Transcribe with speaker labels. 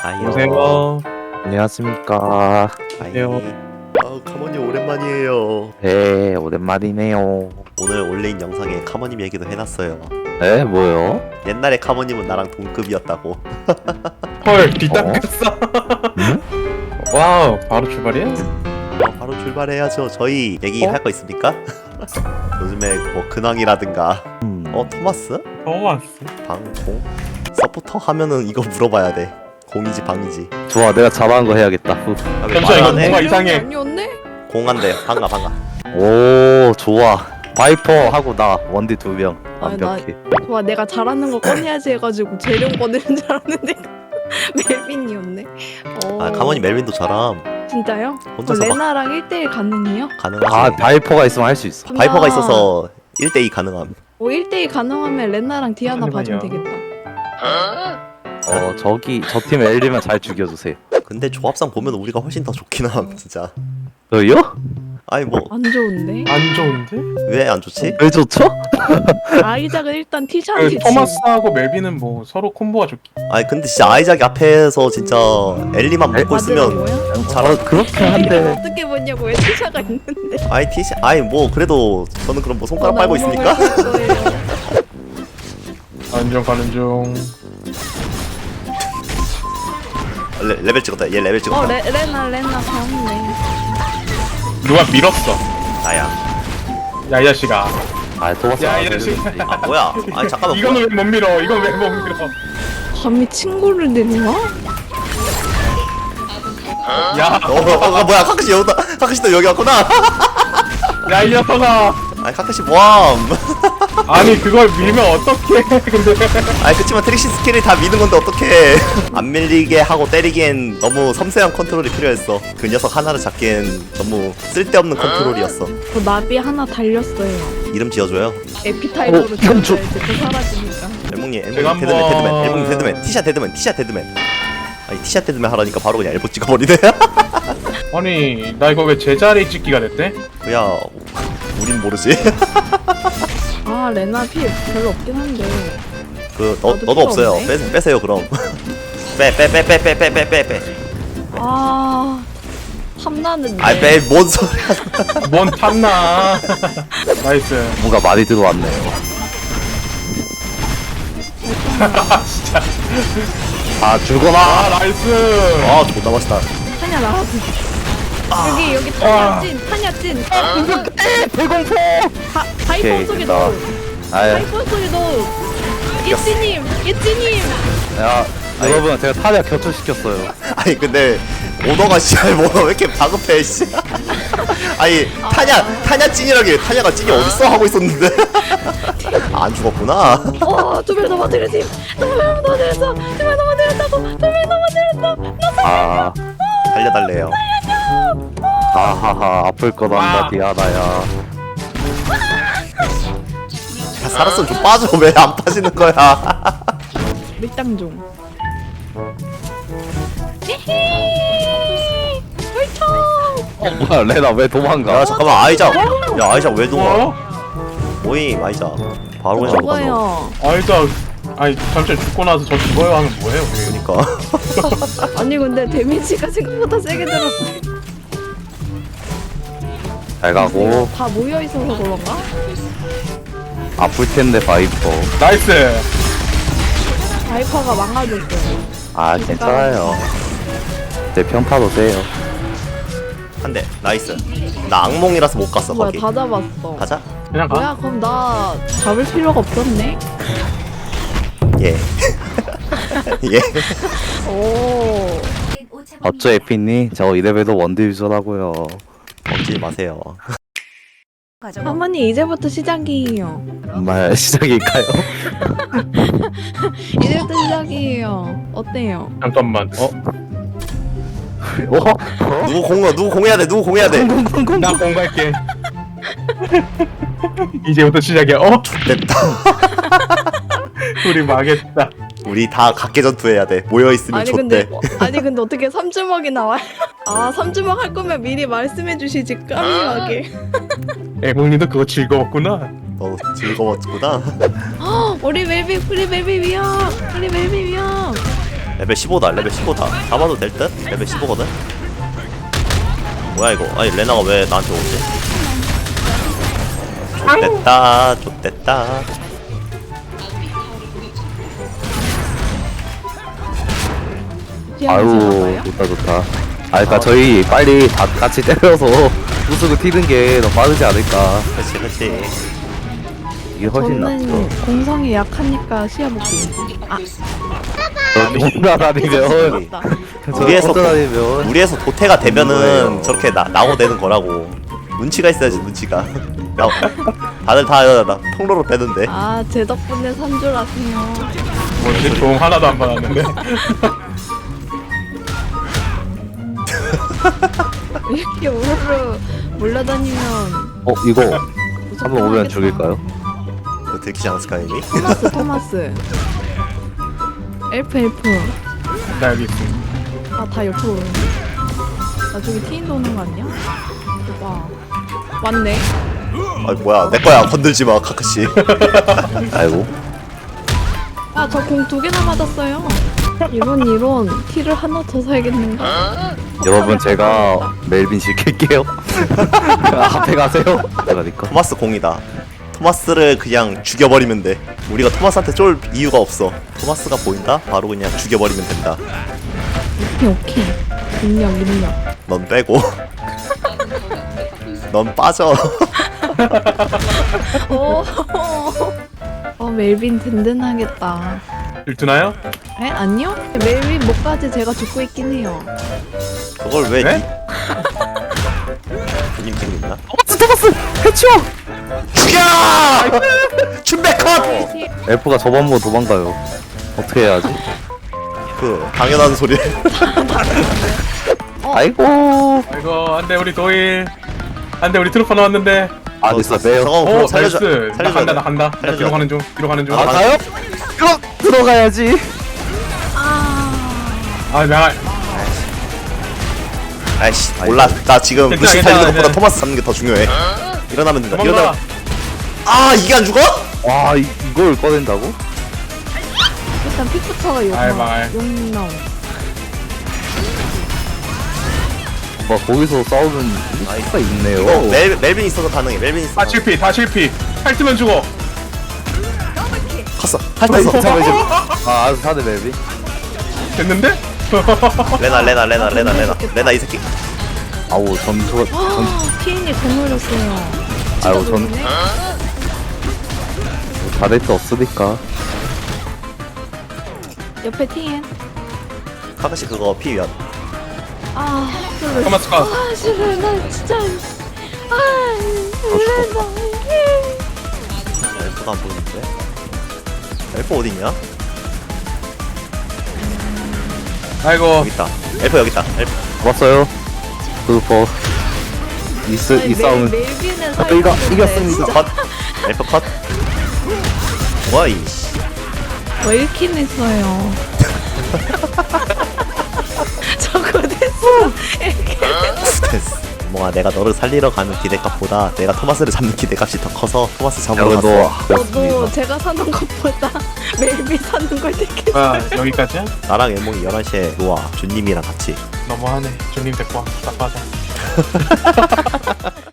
Speaker 1: 아이요.
Speaker 2: 오세요.
Speaker 3: 안녕하십니까.
Speaker 2: 안녕.
Speaker 1: 아우 카모님 오랜만이에요.
Speaker 3: 네, 오랜만이네요.
Speaker 1: 오늘 올린 영상에 카모님 얘기도 해놨어요.
Speaker 3: 네, 뭐요?
Speaker 1: 옛날에 카모님은 나랑 동급이었다고.
Speaker 2: 헐, 뒤닦였어.
Speaker 3: 응?
Speaker 2: 와우, 바로 출발이야?
Speaker 1: 바로 출발해야죠. 저희 얘기할 거 있습니까? 요즘에 뭐 근황이라든가. 토마스?
Speaker 2: 왔어.
Speaker 1: 방공? 서포터 하면은 이거 물어봐야 돼. 공이지 방이지.
Speaker 3: 좋아, 내가 잘하는 거 해야겠다. 후.
Speaker 1: 아, 왜
Speaker 2: 잠시만,
Speaker 1: 말
Speaker 2: 이거
Speaker 1: 안 해?
Speaker 2: 뭔가 이상해.
Speaker 4: 아니었네?
Speaker 1: 공한대. 방가.
Speaker 3: 오, 좋아. 바이퍼 하고 나 원디 2명 완벽해.
Speaker 4: 좋아, 내가 잘하는 거 꺼내야지 해가지고 재령 꺼내는 줄 알았는데 멜빈이었네.
Speaker 1: 아 카모님 멜빈도 잘함.
Speaker 4: 진짜요?
Speaker 1: 혼자서 막
Speaker 4: 레나랑 1대1 가능해요?
Speaker 1: 가능하지.
Speaker 3: 아, 바이퍼가 있으면 할 수 있어.
Speaker 1: 바이퍼가 있어서 1대2 가능함.
Speaker 4: 1대1 가능하면 레나랑 디아나 봐주면
Speaker 2: 잠시만요.
Speaker 4: 되겠다.
Speaker 3: 저 팀 엘리면 잘 죽여주세요.
Speaker 1: 근데 조합상 보면 우리가 훨씬 더 좋긴 함 진짜.
Speaker 3: 저요?
Speaker 1: 아니 뭐
Speaker 4: 안 좋은데?
Speaker 2: 안 좋은데?
Speaker 1: 왜 안 좋지?
Speaker 3: 왜 좋죠?
Speaker 4: 아이작은 일단
Speaker 2: 그
Speaker 4: 티샷이지.
Speaker 2: 토마스하고 멜빈은 뭐 서로 콤보가 좋기.
Speaker 1: 아니 근데 진짜 아이작이 앞에서 진짜 엘리만 먹고 있으면
Speaker 3: 그렇긴
Speaker 4: 이걸
Speaker 3: 한데.
Speaker 4: 어떻게 보냐고 왜 티샷가 있는데?
Speaker 1: 아이 티시 아이 뭐 그래도 저는 그럼 뭐 손가락 빨고 있으니까.
Speaker 2: 가는 중.
Speaker 1: 레벨 찍었다. 얘 레벨 찍었다.
Speaker 4: 레나 가운데.
Speaker 2: 누가 밀었어?
Speaker 1: 나야.
Speaker 2: 야, 이 자식아.
Speaker 3: 아, 토마스.
Speaker 2: 야, 이 자식아.
Speaker 1: 아 뭐야? 아니 잠깐만.
Speaker 2: 이거는 왜 못 밀어? 이건 왜 못 밀어?
Speaker 4: 감히 친구를 데려와?
Speaker 2: 야,
Speaker 1: 뭐야? 카카시 여기다. 카카시도 여기 왔구나.
Speaker 2: 야, 이 녀석아.
Speaker 1: 아니 카카시 뭐함?
Speaker 2: 아니, 그걸 밀면 어떡해. 근데.
Speaker 1: 아니 그치만 트릭시 스킬을 다 미는 건데 어떡해. 안 밀리게 하고 때리기엔 너무 섬세한 컨트롤이 필요했어. 그 녀석 하나를 잡기엔 너무 쓸데없는 컨트롤이었어.
Speaker 4: 저 나비 하나 달렸어요.
Speaker 1: 이름 지어줘요.
Speaker 4: 에피타이저로
Speaker 3: 이건 좀-
Speaker 4: 지어줘야지 또 사라지니까.
Speaker 1: 엘몽님
Speaker 2: 제가
Speaker 1: 데드맨
Speaker 2: 한번-
Speaker 1: 데드맨 엘몽님 데드맨 티샷 데드맨. 아니 티샷 데드맨 하라니까 바로 그냥 엘보 찍어버리네.
Speaker 2: 아니, 나 이거 왜 제자리 찍기가 됐대?
Speaker 1: 야 우린 모르지.
Speaker 4: 아 레나 피 별로 없긴 한데.
Speaker 1: 너도
Speaker 4: 필요
Speaker 1: 없어요.
Speaker 4: 없네.
Speaker 1: 빼세요 그럼. 빼.
Speaker 4: 아 탐나는데.
Speaker 1: 아이 빼뭔 소리야.
Speaker 2: 뭔 탐나. 나이스.
Speaker 3: 뭔가 많이 들어왔네요.
Speaker 2: 진짜.
Speaker 3: 아, 죽어라.
Speaker 2: 아, 나이스.
Speaker 1: 아 존나 맛있다.
Speaker 4: 타냐 나와지. 여기
Speaker 2: 아.
Speaker 4: 타냐 찐.
Speaker 3: 대공포.
Speaker 4: 바이퍼
Speaker 3: 오케이,
Speaker 4: 속에도.
Speaker 3: 됐다. 아유,
Speaker 4: 바이퍼 속에도. 이찌님.
Speaker 3: 야, 여러분, 제가 타냐 격투시켰어요.
Speaker 1: 아니 근데 오너가 씨발 뭐왜 이렇게 다급해 씨. 아니 타냐 찐이라길 타냐가 찐이 어딨어 하고 있었는데. 안 죽었구나.
Speaker 4: 두명 넘어뜨렸지. 두명 넘어뜨렸다고.
Speaker 3: 아,
Speaker 1: 달려달래요.
Speaker 3: 하하하, 아플 거란다,
Speaker 2: 와.
Speaker 3: 디아나야.
Speaker 1: 야, 살았으면 좀 빠져. 왜 안 빠지는 거야?
Speaker 4: 밀당 중. 히히. 훌쩍.
Speaker 3: 뭐야, 레나 왜 도망가?
Speaker 1: 야 잠깐만 아이작. 야 아이작 왜 동아?
Speaker 2: 어?
Speaker 1: 모임 아이작. 바로 그냥 가서.
Speaker 4: 죽어요.
Speaker 2: 아니, 잠시만 죽고 나서 저 죽어요 하면 뭐해요, 우리?
Speaker 1: 그러니까.
Speaker 4: 아니 근데 데미지가 생각보다 세게 들었어.
Speaker 3: 잘 가고.
Speaker 4: 다 모여 있어서 그런가?
Speaker 3: 아플 텐데, 바이퍼.
Speaker 2: 나이스.
Speaker 4: 바이퍼가 망가졌어요.
Speaker 3: 아, 괜찮아요. 내 평타도 세요.
Speaker 1: 한 대. 나이스. 나 악몽이라서 못 갔어
Speaker 4: 뭐야
Speaker 1: 거기.
Speaker 4: 다 잡았어.
Speaker 1: 가자.
Speaker 2: 그냥 가.
Speaker 4: 뭐야 그럼 나 잡을 필요가 없었네.
Speaker 1: 예. 예.
Speaker 4: 오.
Speaker 3: 어쩌 에피니? 저 이레벨도 원딜주라고요.
Speaker 1: 먹지 마세요.
Speaker 4: 어머니 이제부터 시작이에요.
Speaker 3: 정말 시작일까요?
Speaker 4: 이제부터 시작이에요. 어때요?
Speaker 2: 잠깐만.
Speaker 1: 누구 공해야 돼. 누구 공해야 돼.
Speaker 2: 나 공갈게. 이제부터 시작이야.
Speaker 1: 됐다.
Speaker 2: 우리 망했다.
Speaker 1: 우리 다 각계 전투해야 돼. 모여 있으면 좋대.
Speaker 4: 아니 근데 어떻게 3주먹이 나와요? 아 3주먹 할 거면 미리 말씀해 주시지 까미하게.
Speaker 2: 애몽님도 그거 즐거웠구나.
Speaker 1: 너 즐거웠구나.
Speaker 4: 우리 멜비 위험.
Speaker 1: 레벨 15다 레벨 15다 잡아도 될 듯? 레벨 15거든? 뭐야 이거 아니 레나가 왜 나한테 오지? 좆됐다 좆됐다
Speaker 3: 아유 좋다 좋다. 아 그니까 저희 빨리 다 같이 때려서 우승을 튀는 게 더 빠르지 않을까.
Speaker 1: 그치 그치
Speaker 3: 이게 훨씬
Speaker 4: 저는
Speaker 3: 낫죠.
Speaker 4: 공성이 약하니까 시야 볼게. 아,
Speaker 3: 혼자 다니면
Speaker 4: 맞다.
Speaker 1: 무리해서
Speaker 3: 혼자 다니면
Speaker 1: 무리해서 도태가 되면은 저렇게 나오되는 거라고 눈치가 있어야지 눈치가 다들 다 통로로 빼는데
Speaker 4: 아, 제 덕분에 산 줄 아세요.
Speaker 2: 뭐지? 종 하나도 안 받았는데.
Speaker 4: 이렇게 우르르 몰려다니면
Speaker 3: 이거
Speaker 4: 무섭긴
Speaker 3: 한번 오면
Speaker 4: 하겠다.
Speaker 3: 죽일까요?
Speaker 1: 그거 들키지 않았을까 이미?
Speaker 4: 토마스. 엘프.
Speaker 2: 나 여기 있어.
Speaker 4: 아, 다 옆으로 오는데. 나중에 티인 도는 거 아니야? 와. 왔네.
Speaker 1: 아니 뭐야 내 거야 건들지 마 카카시
Speaker 3: 아이고.
Speaker 4: 아, 저 공 2개나 맞았어요. 이런 티를 하나 더 사야겠는가?
Speaker 3: 여러분 제가 멜빈 시킬게요. 앞에 가세요. 그러니까
Speaker 1: 토마스 공이다 토마스를 그냥 죽여버리면 돼 우리가 토마스한테 쫄 이유가 없어 토마스가 보인다? 바로 그냥 죽여버리면 된다
Speaker 4: 오케이. 능력.
Speaker 1: 넌 빼고 넌 빠져
Speaker 4: 멜빈 든든하겠다.
Speaker 2: 일투나요?
Speaker 4: 에? 아니요? 멜빈 목까지 제가 죽고 있긴 해요.
Speaker 1: 그걸 왜
Speaker 2: 네?
Speaker 1: 님 생겼나?
Speaker 3: 토마스 해치워.
Speaker 1: 죽여! 춘백 컷!
Speaker 3: 엘프가 저번보 도망가요. 어떻게 해야지?
Speaker 1: 그 당연한 소리
Speaker 3: 아이고.
Speaker 2: 이거 안돼 우리 도일. 안돼 우리 트루퍼 나왔는데.
Speaker 3: 아 됐어 매요.
Speaker 1: 저거 그럼
Speaker 2: 오
Speaker 1: 살려줘
Speaker 2: 나이스. 나
Speaker 1: 살려줘야
Speaker 2: 간다
Speaker 1: 돼
Speaker 2: 나 간다. 나
Speaker 1: 살려줘야
Speaker 2: 뒤로
Speaker 1: 돼.
Speaker 2: 가는 중. 뒤로 가는 중.
Speaker 1: 아,
Speaker 3: 가요? 그럼 들어가야지.
Speaker 2: 아 나.
Speaker 1: 아이씨 몰라 나 지금
Speaker 2: 괜찮아,
Speaker 1: 루시 살리는
Speaker 2: 괜찮아,
Speaker 1: 것보다
Speaker 2: 괜찮아.
Speaker 1: 토마스 잡는 게 더 중요해 일어나면 된다
Speaker 2: 도망가.
Speaker 1: 일어나 아 이게 안 죽어?
Speaker 3: 와 이걸 꺼낸다고?
Speaker 4: 일단 픽부터가
Speaker 2: 알말.
Speaker 4: 용나오.
Speaker 3: 뭐 거기서 싸우는 수가 있네요.
Speaker 1: 이거 멜빈 있어서 가능해 멜빈 있어
Speaker 2: 다 실패 다 실패. 핥으면 죽어.
Speaker 1: 컸어 핥았어
Speaker 3: 아 알아서 사네 멜빈.
Speaker 2: 됐는데?
Speaker 1: 레나 이 새끼
Speaker 3: 아우 전투가
Speaker 4: TN이 더 놀렸어요.
Speaker 3: 아유 전 다를 데 없으니까.
Speaker 4: 옆에 TN.
Speaker 1: 카카시 그거 피위안
Speaker 4: 아, 그래.
Speaker 2: 토마스 컷.
Speaker 4: 아, 싫어. 나 진짜. 아, 그래, 나.
Speaker 1: 엘프가 안 보이는데 엘프 어딨냐?
Speaker 2: 아이고.
Speaker 1: 여기 있다 엘프 여기 있다 엘프
Speaker 3: 왔어요. 그거 이 싸움은
Speaker 4: 멜빈은
Speaker 3: 이겼습니다.
Speaker 1: 컷 엘프 컷 뭐야 이
Speaker 4: 왜 이렇게 했어요? 저거 됐어. 이렇게.
Speaker 1: 됐어 뭔가 내가 너를 살리러 가는 기대값보다 내가 토마스를 잡는 기대값이 더 커서 토마스 잡으러
Speaker 3: 그래도
Speaker 1: 갔어
Speaker 4: 저도 제가 사는 것보다 멜빈 사는 걸 되게.
Speaker 2: 아 여기까지야?
Speaker 1: 나랑 엘몽이 11시에 노아 준님이랑 같이
Speaker 2: 너무하네. 주님 데리고 와. 딱 맞아.